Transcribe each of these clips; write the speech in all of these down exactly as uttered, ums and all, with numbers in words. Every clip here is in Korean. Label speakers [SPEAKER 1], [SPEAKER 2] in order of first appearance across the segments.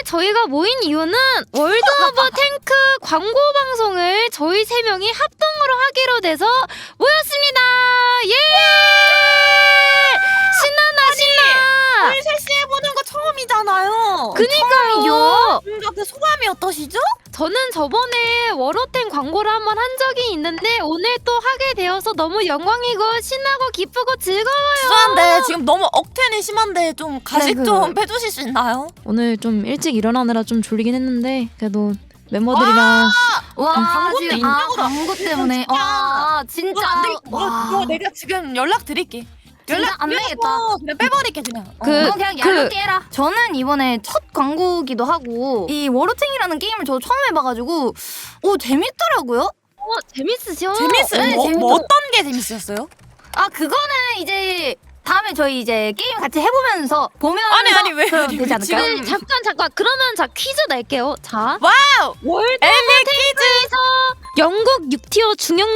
[SPEAKER 1] 저희가 모인 이유는 월드 오브 탱크 광고 방송을 저희 세 명이 합동으로 하기로 돼서 모였습니다. 예! 신나나 신나.
[SPEAKER 2] 우리 셋이 해보는 거 처음이잖아요.
[SPEAKER 1] 그니까요.
[SPEAKER 2] 뭔가 그 소감이 어떠시죠?
[SPEAKER 1] 저는 저번에 워로탱 광고를 한번 한 적이 있는데 오늘 또 하게 되어서 너무 영광이고 신나고 기쁘고 즐거워요.
[SPEAKER 2] 죄송한데 지금 너무 억텐이 심한데 좀 가식
[SPEAKER 3] 네, 그-
[SPEAKER 2] 좀 빼주실 수 있나요?
[SPEAKER 1] 오늘 좀 일찍 일어나느라 좀 졸리긴 했는데 그래도 멤버들이랑
[SPEAKER 3] 와
[SPEAKER 2] 광고도
[SPEAKER 3] 지금
[SPEAKER 2] 인정으로
[SPEAKER 3] 아 광고 때문에
[SPEAKER 2] 진짜.
[SPEAKER 3] 와 진짜
[SPEAKER 2] 안 되겠다.
[SPEAKER 3] 와
[SPEAKER 2] 이거 내가 지금 연락 드릴게.
[SPEAKER 3] 진짜 안 되겠다.
[SPEAKER 2] 그냥 빼버릴게 그냥.
[SPEAKER 1] 그-
[SPEAKER 3] 어, 그냥 얄밉게 해라. 저는 이번에 첫 광고기도 하고 이 워로탱이라는 게임을 저 처음 해봐가지고 오 재밌더라고요.
[SPEAKER 1] 어, 재밌으셔?
[SPEAKER 2] 재밌어요.
[SPEAKER 3] 네,
[SPEAKER 2] 뭐,
[SPEAKER 3] 재밌어.
[SPEAKER 2] 뭐 어떤 게 재밌었어요?
[SPEAKER 3] 아 그거는 이제 다음에 저희 이제 게임 같이 해보면서 보면서
[SPEAKER 2] 아니, 아니, 왜,
[SPEAKER 3] 그럼
[SPEAKER 2] 아니,
[SPEAKER 3] 되지
[SPEAKER 2] 왜
[SPEAKER 3] 않을까요?
[SPEAKER 2] 지금-
[SPEAKER 1] 네, 잠깐 잠깐 그러면 자 퀴즈 낼게요. 자
[SPEAKER 2] 와우!
[SPEAKER 1] 월드
[SPEAKER 2] 엘리 퀴즈!
[SPEAKER 1] 영국 육 티어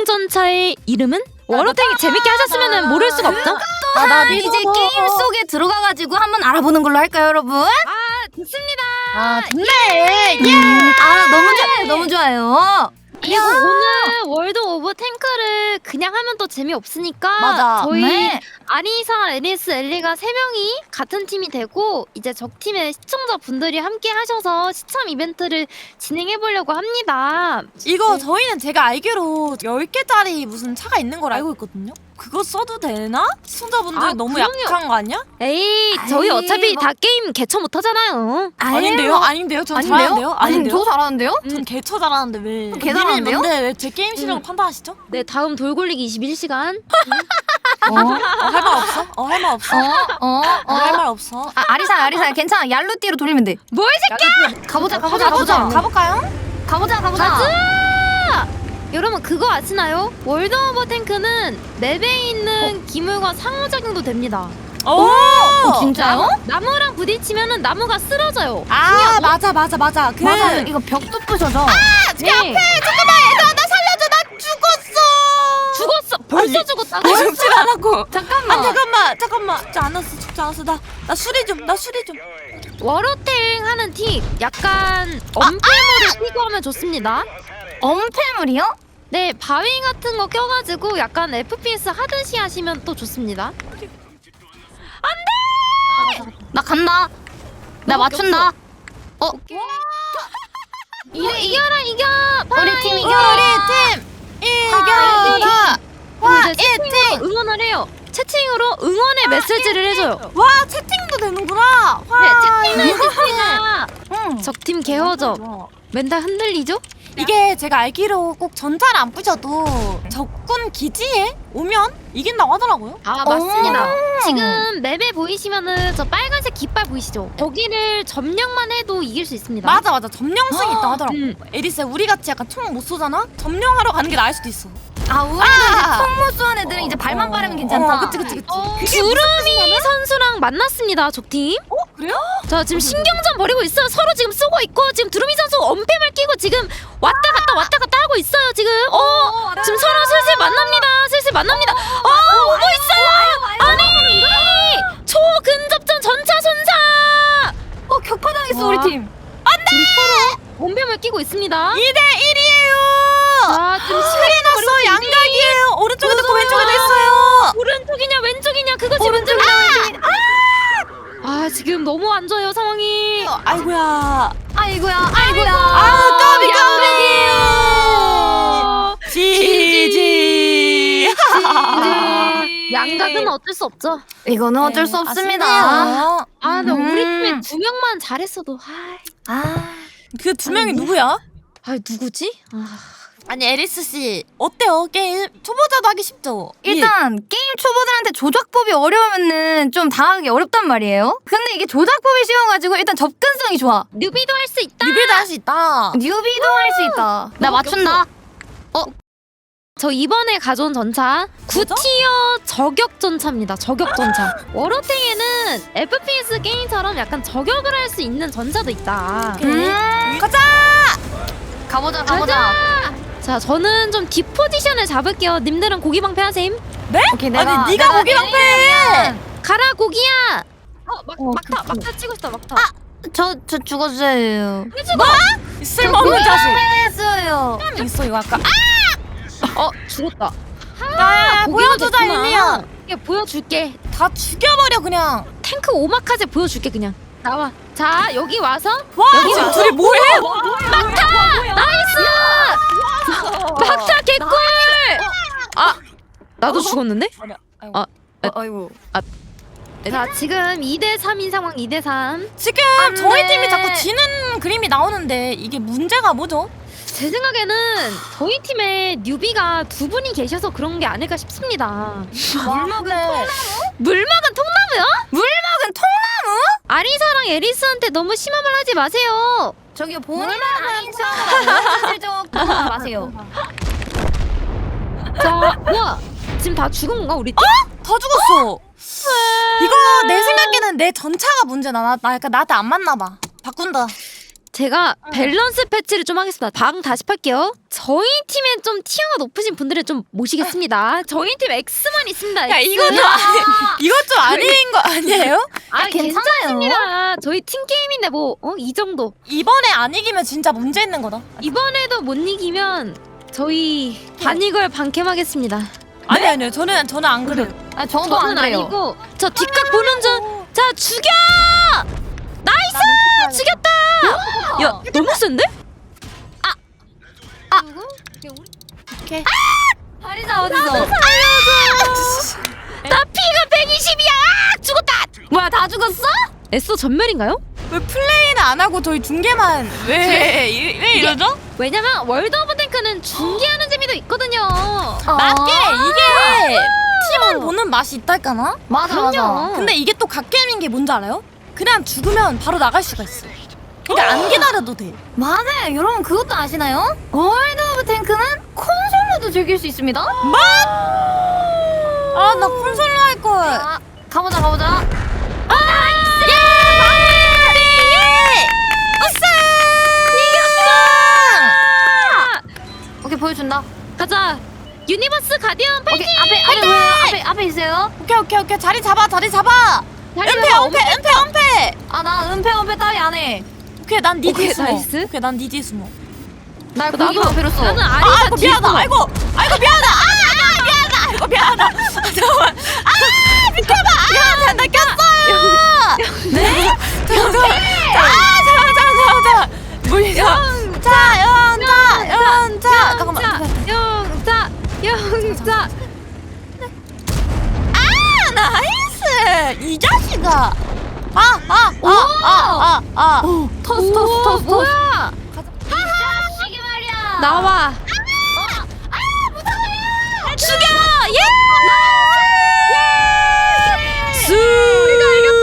[SPEAKER 1] 중형전차의 이름은? 워로탱이 재밌게 하셨으면 모를 수가 없죠?
[SPEAKER 2] 아, 나
[SPEAKER 3] 한 이제 게임 속에 들어가가지고 한번 알아보는 걸로 할까요, 여러분?
[SPEAKER 1] 아 좋습니다.
[SPEAKER 2] 아, 좋네. 예!
[SPEAKER 3] 음, 아 너무 좋아요, 너무 좋아요.
[SPEAKER 1] 그리고 오늘 월드 오브 탱크를 그냥 하면 또 재미없으니까
[SPEAKER 2] 맞아.
[SPEAKER 1] 저희
[SPEAKER 3] 네.
[SPEAKER 1] 아리사, 애니스, 엘리가 세 명이 같은 팀이 되고 이제 적팀의 시청자분들이 함께 하셔서 시참 이벤트를 진행해보려고 합니다.
[SPEAKER 2] 이거 저희는 제가 알기로 열 개짜리 무슨 차가 있는 걸 알고 있거든요? 그거 써도 되나? 시청자분들
[SPEAKER 1] 아,
[SPEAKER 2] 너무
[SPEAKER 1] 그럼요.
[SPEAKER 2] 약한 거 아니야?
[SPEAKER 1] 에이 저희
[SPEAKER 3] 아이,
[SPEAKER 1] 어차피
[SPEAKER 3] 뭐-
[SPEAKER 1] 다 게임 개처 못하잖아요.
[SPEAKER 2] 아닌데요? 아닌데요? 전
[SPEAKER 3] 아닌데요?
[SPEAKER 2] 잘하는데요?
[SPEAKER 3] 아니
[SPEAKER 2] 아닌데요?
[SPEAKER 3] 저 잘하는데요?
[SPEAKER 2] 전 개처 잘하는데 왜?
[SPEAKER 3] 개 잘하는데요?
[SPEAKER 2] 님이 뭔데 왜 제 게임 실력을
[SPEAKER 1] 음.
[SPEAKER 2] 판단하시죠?
[SPEAKER 1] 네 다음 돌굴리기 이십일 시간.
[SPEAKER 3] 어,
[SPEAKER 2] 어, 할 말 없어? 어, 할 말 없어?
[SPEAKER 3] 어, 어,
[SPEAKER 2] 어, 할
[SPEAKER 3] 어.
[SPEAKER 2] 말 없어?
[SPEAKER 3] 아, 아리사, 아리사, 괜찮아. 얄루띠로 돌리면 돼.
[SPEAKER 1] 뭘 새끼야!
[SPEAKER 3] 가보자, 가보자,
[SPEAKER 2] 가보자.
[SPEAKER 3] 가보자.
[SPEAKER 2] 가볼까요?
[SPEAKER 3] 가보자, 가보자.
[SPEAKER 1] 가자! 여러분 그거 아시나요? 월드 오브 탱크는 맵에 있는 기물과 상호작용도 됩니다.
[SPEAKER 2] 오!
[SPEAKER 3] 어, 진짜요?
[SPEAKER 1] 나무랑 부딪히면은 나무가 쓰러져요.
[SPEAKER 2] 아, 맞아, 맞아, 맞아. 그
[SPEAKER 3] 맞아, 이거 벽도 부셔져.
[SPEAKER 1] 네.
[SPEAKER 2] 잠깐만, 얘들아, 나 살려줘, 나 죽었어.
[SPEAKER 1] 죽었어. 벌써
[SPEAKER 2] 아니,
[SPEAKER 1] 죽었다고?
[SPEAKER 2] 아, 죽진 않았고.
[SPEAKER 3] 잠깐만.
[SPEAKER 2] 아, 잠깐만, 잠깐만. 죽지 않았어, 죽지 않았어. 나, 나 수리 좀, 나 수리 좀.
[SPEAKER 1] 워로탱 하는 팁 약간 엄폐물을 끼고 하면 좋습니다.
[SPEAKER 3] 엄폐물이요?
[SPEAKER 1] 네 바위 같은 거 껴가지고 약간 에프피에스 하듯이 하시면 또 좋습니다.
[SPEAKER 3] 나 간다. 나
[SPEAKER 1] 너무
[SPEAKER 3] 맞춘다. 어,
[SPEAKER 1] 이겨, 이겨라 이겨.
[SPEAKER 3] 우리 팀 이겨.
[SPEAKER 2] 우리 팀 이겨라. 와,
[SPEAKER 1] 이제 채팅으로 응원을 해요. 채팅으로 응원의 메시지를 해줘요.
[SPEAKER 2] 와, 채팅도 되는구나.
[SPEAKER 1] 네
[SPEAKER 2] 와,
[SPEAKER 1] 채팅은 있습니다.
[SPEAKER 3] 응.
[SPEAKER 1] 적팀 개허점. 멘탈 흔들리죠?
[SPEAKER 2] 이게 제가 알기로 꼭 전차를 안 부셔도 적군 기지에 오면 이긴다고 하더라고요.
[SPEAKER 1] 아
[SPEAKER 3] 맞습니다.
[SPEAKER 1] 지금 맵에 보이시면은 저 빨간색 깃발 보이시죠? 거기를 점령만 해도 이길 수 있습니다.
[SPEAKER 2] 맞아, 맞아. 점령성이 있다고 하더라고.
[SPEAKER 1] 음.
[SPEAKER 2] 에리스, 우리 같이 약간 총 못 쏘잖아? 점령하러 가는 게 나을 수도 있어.
[SPEAKER 3] 아, 우리는
[SPEAKER 2] 아!
[SPEAKER 3] 이제 총못 쏘는 애들은 이제 발만 빠르면 괜찮다.
[SPEAKER 2] 어, 그치, 그치, 그치.
[SPEAKER 1] 어,
[SPEAKER 2] 그게
[SPEAKER 1] 두루미 선수랑 만났습니다. 적팀.
[SPEAKER 2] 어, 그래요?
[SPEAKER 1] 자 지금 신경전 벌이고 있어요. 서로 지금 쓰고 있고 지금 두루미 선수 엄폐물 끼고 지금 왔다 갔다 왔다 갔다 하고 있어요. 지금 어 지금 서로 슬슬 만납니다. 슬슬 만납니다. 어 오고 있어요. 아니 초근접전 전차 손사.
[SPEAKER 3] 어, 격파당했어,
[SPEAKER 1] 와.
[SPEAKER 3] 우리 팀.
[SPEAKER 1] 지금 서로 엄폐물 끼고 있습니다.
[SPEAKER 2] 이 대 일이에요.
[SPEAKER 1] 자 지금
[SPEAKER 2] 큰일 났어. 양각이에요. 오른쪽에도 있고 왼쪽에도 있어요.
[SPEAKER 1] 오른쪽이냐 왼쪽이냐 그거지
[SPEAKER 3] 오른쪽이냐,
[SPEAKER 1] 왼쪽이냐. 아 지금 너무 안 좋아요 상황이.
[SPEAKER 2] 아이고야.
[SPEAKER 3] 아이고야, 아이고야.
[SPEAKER 2] 아, 까비,
[SPEAKER 1] 어,
[SPEAKER 2] 까비. 지지.
[SPEAKER 1] 네. 양각은 어쩔 수 없죠.
[SPEAKER 3] 이거는 어쩔 수 없습니다.
[SPEAKER 2] 아쉽네요.
[SPEAKER 1] 아, 근데
[SPEAKER 3] 음.
[SPEAKER 1] 우리 팀에 두 명만 잘했어도, 아이.
[SPEAKER 3] 아,
[SPEAKER 2] 그 두 명이 누구야?
[SPEAKER 1] 아, 누구지? 아,
[SPEAKER 2] 아니, 에리스 씨 어때요? 게임 초보자도 하기 쉽죠?
[SPEAKER 3] 일단 게임 초보들한테 조작법이 어려우면은 좀 당하기 어렵단 말이에요. 근데 이게 조작법이 쉬워가지고 일단 접근성이 좋아.
[SPEAKER 1] 뉴비도 할 수 있다.
[SPEAKER 2] 리빌도 할 수 있다.
[SPEAKER 3] 뉴비도 할 수 있다. 나 맞춘다.
[SPEAKER 1] 저 이번에 가져온 전차 구 티어 저격 전차입니다. 저격 전차. 워로탱에는 에프피에스 게임처럼 약간 저격을 할 수 있는 전차도 있다.
[SPEAKER 3] 음,
[SPEAKER 2] 가자.
[SPEAKER 3] 가보자, 가보자.
[SPEAKER 1] 자, 저는 좀 뒷포지션을 잡을게요. 님들은 고기 방패 하셈.
[SPEAKER 2] 네?
[SPEAKER 3] 오케이, 내가
[SPEAKER 2] 아니 네가 고기 방패.
[SPEAKER 1] 가라 고기야. 어, 막,
[SPEAKER 3] 어,
[SPEAKER 1] 막타,
[SPEAKER 3] 그, 그.
[SPEAKER 1] 막타 치고 싶다, 막타.
[SPEAKER 3] 저, 저 죽었어요.
[SPEAKER 2] 이 쓸모없는 자식.
[SPEAKER 3] 했어요.
[SPEAKER 2] 있어 이거 아까.
[SPEAKER 1] 어 죽었다.
[SPEAKER 2] 야,
[SPEAKER 1] 고기가
[SPEAKER 2] 보여주자
[SPEAKER 1] 됐구나.
[SPEAKER 2] 일리야.
[SPEAKER 1] 이게 보여줄게.
[SPEAKER 2] 다 죽여버려 그냥.
[SPEAKER 1] 탱크 오마카세 보여줄게 그냥. 나와. 자 여기 와서
[SPEAKER 2] 와
[SPEAKER 1] 여기
[SPEAKER 2] 지금
[SPEAKER 1] 와서
[SPEAKER 2] 둘이 뭐해?
[SPEAKER 1] 막타 나이스. 막타 개꿀. 아 나도 죽었는데?
[SPEAKER 2] 아이고.
[SPEAKER 1] 아.
[SPEAKER 3] 아이고.
[SPEAKER 1] 자 지금 이 대 삼인 상황 이 대 삼.
[SPEAKER 2] 지금
[SPEAKER 3] 안
[SPEAKER 2] 저희
[SPEAKER 3] 돼.
[SPEAKER 2] 팀이 자꾸 지는 그림이 나오는데 이게 문제가 뭐죠?
[SPEAKER 1] 제 생각에는 저희 팀에 뉴비가 두 분이 계셔서 그런 게 아닐까 싶습니다.
[SPEAKER 3] 물먹은
[SPEAKER 1] 물막은 통나무요?
[SPEAKER 3] 물먹은 통나무?
[SPEAKER 1] 아리사랑 에리스한테 너무 심한 말 하지 마세요.
[SPEAKER 3] 저기요 본인은 아닌 척 슬쩍 마세요.
[SPEAKER 1] 자 뭐야 지금 다 죽은 건가 우리 팀?
[SPEAKER 2] 다 죽었어. 이거 내 생각에는 내 전차가 문제나. 나, 나 약간 나한테 안 맞나 봐. 바꾼다.
[SPEAKER 1] 제가 밸런스 패치를 좀 하겠습니다. 방 다시 팔게요. 저희 팀에 좀 티어가 높으신 분들을 좀 모시겠습니다. 저희 팀 X만 있습니다.
[SPEAKER 2] 야
[SPEAKER 1] X.
[SPEAKER 2] 이거 좀 이거 좀 아닌 거 아니에요?
[SPEAKER 1] 아
[SPEAKER 3] 괜찮아요.
[SPEAKER 1] 괜찮습니다. 저희 팀 게임인데 뭐 어 이 정도.
[SPEAKER 2] 이번에 안 이기면 진짜 문제 있는 거다.
[SPEAKER 1] 이번에도 못 이기면 저희 반이걸 반캠하겠습니다.
[SPEAKER 2] 아니 아니요. 저는 저는 안 그래요.
[SPEAKER 3] 아 저도 안
[SPEAKER 1] 저는
[SPEAKER 3] 그래요.
[SPEAKER 1] 아니고 저 뒷각 보는 중. 자 죽여. 나이스 죽였다. 야 너무 센데? 아 누구?
[SPEAKER 2] 오케이.
[SPEAKER 3] 아리사 어디서?
[SPEAKER 1] 나 피가 백이십이야. 죽었다.
[SPEAKER 3] 뭐야 다 죽었어?
[SPEAKER 1] 에스더 전멸인가요?
[SPEAKER 2] 왜 플레이는 안 하고 저희 중계만 왜, 이- 왜 이러죠?
[SPEAKER 1] 왜냐면 월드 오브 탱크는 중계하는 재미도 있거든요.
[SPEAKER 2] 맞게 이게 팀원 보는 맛이 있달까나?
[SPEAKER 3] 맞아 맞아.
[SPEAKER 1] 그럼요.
[SPEAKER 2] 근데 이게 또 갓게임인 게 뭔지 알아요? 그냥 죽으면 바로 나갈 수가 있어. 그러니까 안 기다려도 돼.
[SPEAKER 3] 맞아요. 여러분 그것도 아시나요? 월드 오브 탱크는 콘솔로도 즐길 수 있습니다.
[SPEAKER 2] 아 나 콘솔로 할 걸.
[SPEAKER 3] 아, 가보자 가보자. 오케이 보여준다.
[SPEAKER 1] 가자. 유니버스 가디언 파이팅.
[SPEAKER 3] 오케이 앞에 앞에 뭐야? 앞에 앞에 있어요.
[SPEAKER 2] 오케이 오케이 오케이 자리 잡아 자리 잡아.
[SPEAKER 1] 자리
[SPEAKER 2] 은폐
[SPEAKER 1] 잡아.
[SPEAKER 2] 은폐 은폐 은폐.
[SPEAKER 3] 아 나 은폐 은폐 따위 안 해.
[SPEAKER 2] 오케이 난 니 뒤에
[SPEAKER 1] 오케이,
[SPEAKER 2] 숨어.
[SPEAKER 1] 나이스.
[SPEAKER 2] 오케이 난 니 뒤에 숨어.
[SPEAKER 3] 나
[SPEAKER 1] 나도
[SPEAKER 3] 고기만 필요 없어.
[SPEAKER 1] 나는
[SPEAKER 2] 아
[SPEAKER 1] 아리사
[SPEAKER 2] 아이고
[SPEAKER 1] 뒤에
[SPEAKER 2] 미안하다.
[SPEAKER 1] 숨어.
[SPEAKER 2] 아이고 아이고 미안하다. 아 미안하다. 아이고 미안하다. 아, 잠깐만. 아 비켜봐. 아, 나 꼈어요. 네? 잠깐. 아 잠깐 잠깐 잠깐. 물리죠. 자 연자 연자. 잠깐만.
[SPEAKER 1] 영자 영자.
[SPEAKER 2] 아 나이스. 이 자식아. 아아아아아 아.
[SPEAKER 3] 토스 토스
[SPEAKER 1] 오,
[SPEAKER 3] 토스 토스.
[SPEAKER 1] 뭐야?
[SPEAKER 3] 자식이 말이야.
[SPEAKER 1] 나와. 죽여! 예! 수! 우리가 이겼다!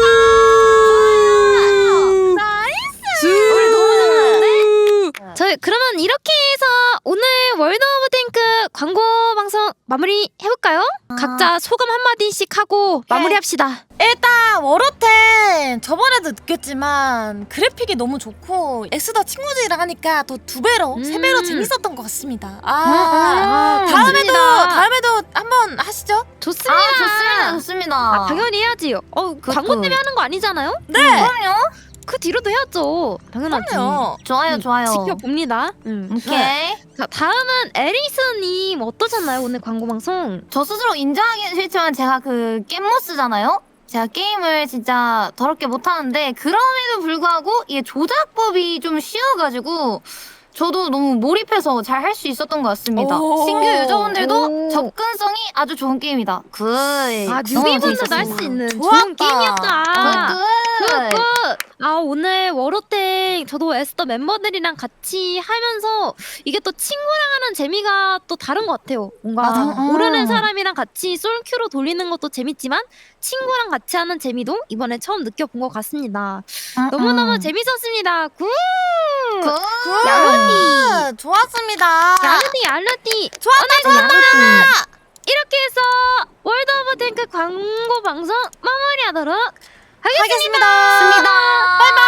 [SPEAKER 2] 나이스.
[SPEAKER 3] 우리 너무 잘하는데?
[SPEAKER 1] 저희 그러면 이렇게 해서 오늘 월드 오브 탱크 광고 방송 마무리 해볼까요? 각자 소감 한마디씩 하고 마무리합시다.
[SPEAKER 2] 일단 워로텐 저번에도 느꼈지만 그래픽이 너무 좋고 엑스더 친구들이랑 하니까 더 두 배로
[SPEAKER 1] 음.
[SPEAKER 2] 세 배로 재밌었던 것 같습니다. 아,
[SPEAKER 1] 아,
[SPEAKER 2] 다음에도
[SPEAKER 1] 좋습니다.
[SPEAKER 2] 다음에도 한번 하시죠.
[SPEAKER 1] 좋습니다.
[SPEAKER 3] 아 좋습니다 좋습니다.
[SPEAKER 1] 아, 당연히 해야지. 어, 광고 때문에 하는 거 아니잖아요?
[SPEAKER 2] 네.
[SPEAKER 3] 그럼요.
[SPEAKER 1] 그 뒤로도 해야죠. 당연하지.
[SPEAKER 2] 그럼요.
[SPEAKER 3] 좋아요
[SPEAKER 1] 음,
[SPEAKER 3] 좋아요.
[SPEAKER 1] 지켜봅니다. 음.
[SPEAKER 3] 오케이.
[SPEAKER 1] 자, 다음은 에리스님 어떠셨나요? 오늘 광고 방송.
[SPEAKER 3] 저 스스로 인정하기는 싫지만 제가 그 겜모스잖아요. 제가 게임을 진짜 더럽게 못하는데 그럼에도 불구하고 이게 조작법이 좀 쉬워가지고 저도 너무 몰입해서 잘 할 수 있었던 것 같습니다.
[SPEAKER 2] 오.
[SPEAKER 3] 신규 유저분들도
[SPEAKER 1] 오.
[SPEAKER 3] 접근성이 아주 좋은 게임이다. 굿.
[SPEAKER 1] 아,
[SPEAKER 3] 너무
[SPEAKER 1] 뉴비분들도 할 수
[SPEAKER 3] 재밌었습니다.
[SPEAKER 1] 있는
[SPEAKER 2] 좋았다.
[SPEAKER 1] 좋은 게임이었다.
[SPEAKER 3] 굿.
[SPEAKER 1] 굿굿. 아 오늘 워로땡 저도 에스더 멤버들이랑 같이 하면서 이게 또 친구랑 하는 재미가 또 다른 것 같아요. 뭔가
[SPEAKER 2] 맞아.
[SPEAKER 1] 모르는 사람이랑 같이 솔큐로 돌리는 것도 재밌지만 친구랑 같이 하는 재미도 이번에 처음 느껴본 것 같습니다.
[SPEAKER 3] 음,
[SPEAKER 1] 너무너무
[SPEAKER 3] 음.
[SPEAKER 1] 재밌었습니다. 굿.
[SPEAKER 3] 굿.
[SPEAKER 1] 야로니.
[SPEAKER 2] 좋았습니다.
[SPEAKER 1] 야르디 야르디.
[SPEAKER 2] 좋았다 좋았다.
[SPEAKER 1] 이렇게 해서 월드 오브 탱크 광고 방송 마무리하도록 하겠습니다.
[SPEAKER 2] 하겠습니다.
[SPEAKER 3] 바이바이.